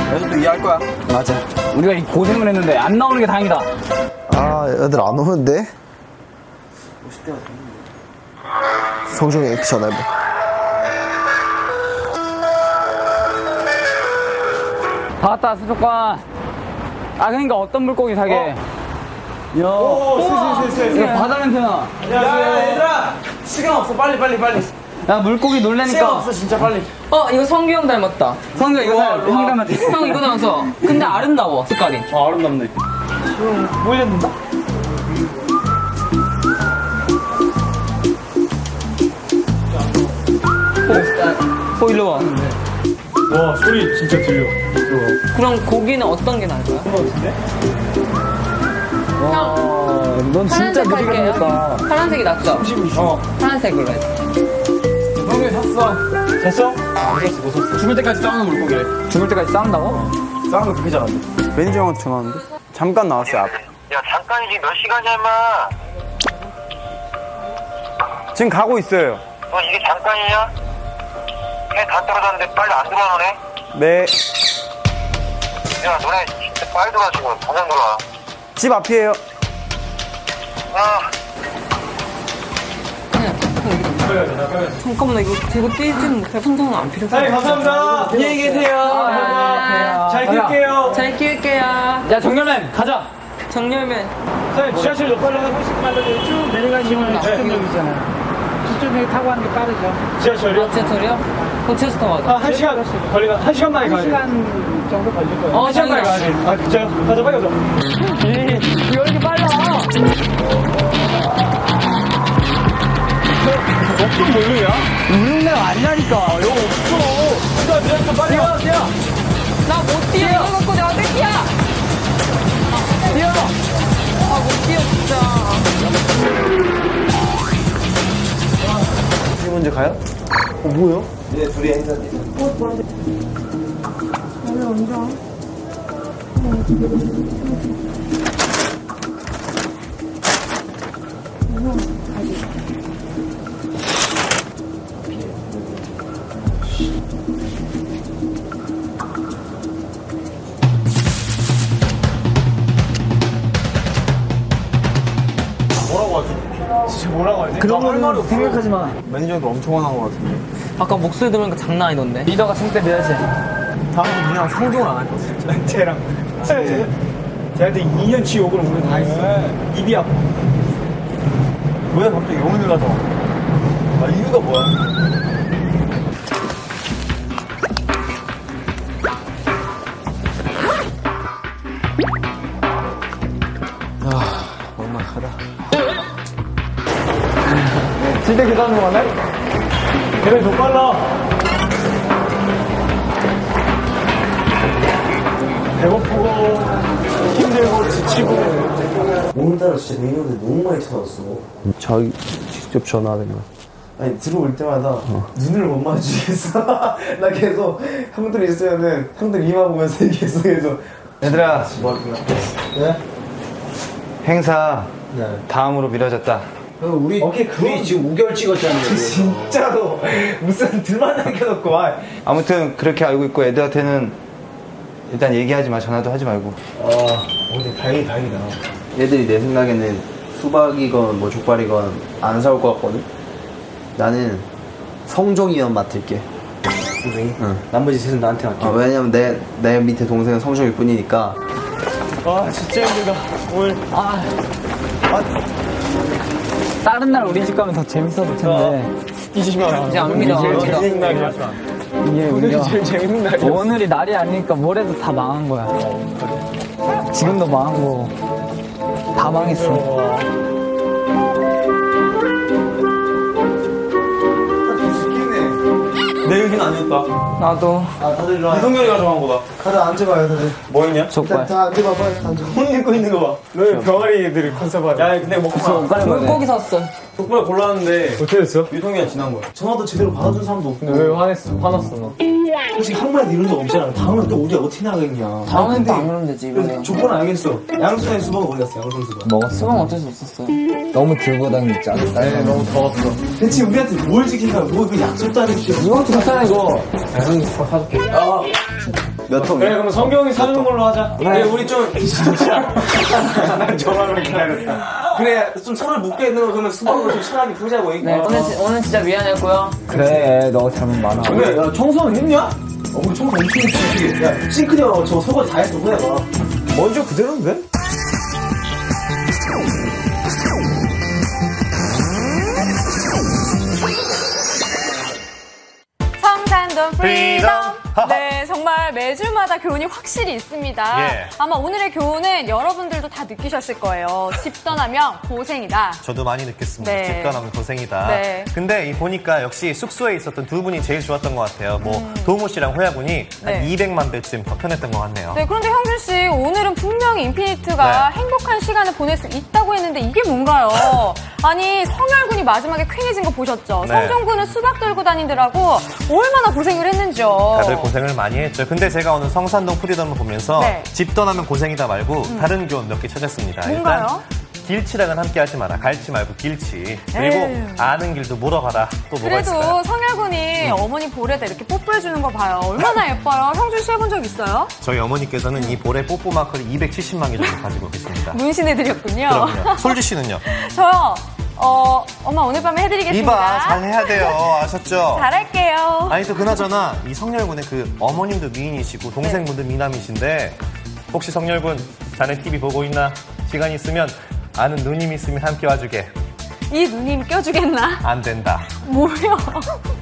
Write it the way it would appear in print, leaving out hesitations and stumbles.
애들도 이해할 거야. 맞아. 우리가 이 고생을 했는데 안 나오는 게 다행이다. 아, 애들 안 오는데? 성종이한테 전화해봐. 다 왔다, 수족관. 아, 그러니까 어떤 물고기 사게? 슬슬. 이거 바다 냄새나. 야, 얘들아! 시간 없어. 빨리. 야, 물고기 놀래니까. 시간 없어, 진짜 빨리. 이거 성규 형 닮았다. 성규 이거 사. 형 닮았대. 형 이거 닮았어. 근데 아름다워, 색깔이. 아름답네. 보이는다? 일로 와. 와, 소리 진짜 들려. 그럼 고기는 어떤 게 나을까요? 형, 넌 진짜 파란색 느리게 할게요. 생겼다. 파란색이 낫죠? 파란색으로 해. 형이 샀어. 샀어? 못 샀어. 죽을 때까지 싸우는 물고기래. 죽을 때까지 싸운다고? 싸우는 거 그렇게 잘한대. 매니저 형한테 전화 왔는데? 잠깐 나왔어요, 앞에. 야, 잠깐이지 몇 시간이야, 임마. 지금 가고 있어요. 너 이게 잠깐이냐? 해 다 떨어졌는데 빨리 안 들어오네? 네. 야, 너네 진짜 빨리 들어와, 지금. 당장 들어와. 집 앞이에요. 아. 잠깐만, 이거 뛰지는 못해. 손상은 안 필요해. 사장님, 감사합니다. 안녕히 계세요. 잘 끌게요. 잘 키울게요. 야, 정렬맨, 가자. 정렬면. 사장님, 지하철 몇 발로 한 30분 만들어요. 쭉 내려가시면 저쪽역이잖아요. 저쪽에 타고 하는 게 빠르죠. 지하철이요? 지하철이요? 그럼 지하철 타고 가자. 1시간 걸리나? 1시간 만에 가야 돼. 1시간 정도 걸릴 거예요. 1시간 만에 가야 돼. 아, 진짜요? 가자, 빨리 가자. 왜 이렇게 빨라? 어떤 몰루야? 울릉내 아니라니까. 이거 없어. 미안해, 빨리 가, 뛰어. 나 못 뛰어. 이거 갖고 내가 어떻게 뛰어? 뛰어. 못 뛰어, 진짜. 이 문제 가요? 뭐요? 네, 둘이 행사지. 뭐라고 하지? 진짜 뭐라고 하지? 그런 거는 생각하지 마. 매니저도 엄청 화난 것 같은데. 아까 목소리 들으니까 장난 아니던데. 리더가 승때 매야지. 다음부터 니랑 상종을 안 할 거야, 진짜. 쟤랑. 쟤한테 2년치 욕을 오늘 다 했어. 입이 아파. 왜 갑자기 영혼을 가서? 아, 이유가 뭐야? 진짜 계단으로 가네? 계단이 더 빨라. 배고프고, 힘들고, 지치고. 오늘따라 진짜 매니저들 너무 많이 찾아왔어. 자기 직접 전화하는 거. 아니, 들어올 때마다 눈을 못 마주치겠어. 나 계속 형들 있으면은 형들 이마 보면서 계속해서. 얘들아, 뭐 할구나. 네? 행사 다음으로 미뤄졌다. 우리 지금 5개월 찍었잖아요. 진짜로. 무슨 들만 남겨놓고. 아무튼 그렇게 알고 있고 애들한테는 일단 얘기하지 마. 전화도 하지 말고. 근데 다행이다. 애들이 내 생각에는 수박이건 뭐 족발이건 안 사올 것 같거든? 나는 성종이만 맡을게. 동생이? 응. 나머지 셋은 나한테 맡겨. 왜냐면 내 밑에 동생은 성종일 뿐이니까. 진짜 힘들다. 오늘. 다른 날 우리 집 가면 더 재밌었을 텐데. 잊으지 마라. 이제 안 믿어. 제일 재밌는 날이야. 이게 우리가 제일 재밌는 날이야. 오늘이 날이 아니니까 모레도 다 망한 거야. 지금도 망한 거. 다 망했어. 내 얘기는 아니었다. 나도. 다들 일로 와. 이성열이가 정한 거다. 다들 앉아봐요, 다들. 뭐 했냐? 족발. 다 앉아봐, 빨리 앉아. 옷 입고 있는 거 봐. 너희 병아리들이 컨셉하네. 야, 근데 먹고 가. 물고기 샀어. 족발 골랐는데 어떻게 됐어? 유통기한 지난 거야. 전화도 제대로 받아준 사람도 없고. 왜 화났어 너? 솔직히 한 번에도 이런 적 없잖아. 다음에 또 우리 어떻게 나가겠냐. 다음엔 또 안 그러면 되지, 이번에. 조건 알겠어. 양수의 수박은 어디 갔어, 양수의 수박. 먹었어. 수박 어쩔 수 없었어요. 너무 들고 다니지 않았다. 네, 너무 더웠어. 대체 우리한테 뭘 지킨다고, 그 약속도 안 해주고. 이거 좋잖아, 이거. 형이 사줄게. 몇 통? 그래, 그럼 성경이 사주는 걸로 하자. 그래, 우리 좀, 진짜. 난 저만을 기다렸다. 그래, 좀 손을 묶여 있는 거 그러면 수박으로 좀 시원하게 풀자고. 네, 오늘 진짜 미안했고요. 그래, 너 잘못 많아. 그래, 야, 청소는 했냐? 우리 청소 엄청 했지. 야, 싱크대 저 설거지 다 했어, 후회가. 먼저 그대로인데? 성산동 프리덤. 네, 정말 매주마다 교훈이 확실히 있습니다. 예. 아마 오늘의 교훈은 여러분들도 다 느끼셨을 거예요. 집 떠나면 고생이다. 저도 많이 느꼈습니다. 네. 집 떠나면 고생이다. 네. 근데 보니까 역시 숙소에 있었던 두 분이 제일 좋았던 것 같아요. 도모 씨랑 호야 군이 한 네. 200만 배쯤 더 편했던 것 같네요. 네, 그런데 형준 씨, 오늘은 분명히 인피니트가 네. 행복한 시간을 보낼 수 있다고 했는데 이게 뭔가요? 아니, 성열군이 마지막에 쾌해진 거 보셨죠? 네. 성종군은 수박 들고 다니느라고 얼마나 고생을 했는지요. 다들 고생을 많이 했죠. 근데 제가 오늘 성산동 프리덤을 보면서 네. 집 떠나면 고생이다 말고 다른 교훈 몇 개 찾았습니다. 뭔가요? 일단 길치랑은 함께 하지 마라. 갈치 말고 길치. 그리고 에휴. 아는 길도 물어가라. 또 뭐가 있을까요? 그래도 성열군이 어머니 볼에다 이렇게 뽀뽀해주는 거 봐요. 얼마나 예뻐요. 형준 씨 해본 적 있어요? 저희 어머니께서는 이 볼에 뽀뽀 마크를 270만 개 정도 가지고 계십니다. 문신해드렸군요. 그럼요. 솔지 씨는요? 저요. 엄마 오늘 밤에 해드리겠습니다. 이봐, 잘해야 돼요. 아셨죠? 잘할게요. 아니 또 그나저나 이 성렬군의 그 어머님도 미인이시고 동생분도 미남이신데 혹시 성렬군 자네 TV 보고 있나? 시간 있으면 아는 누님 있으면 함께 와주게. 이 누님 껴주겠나? 안 된다. 뭐요?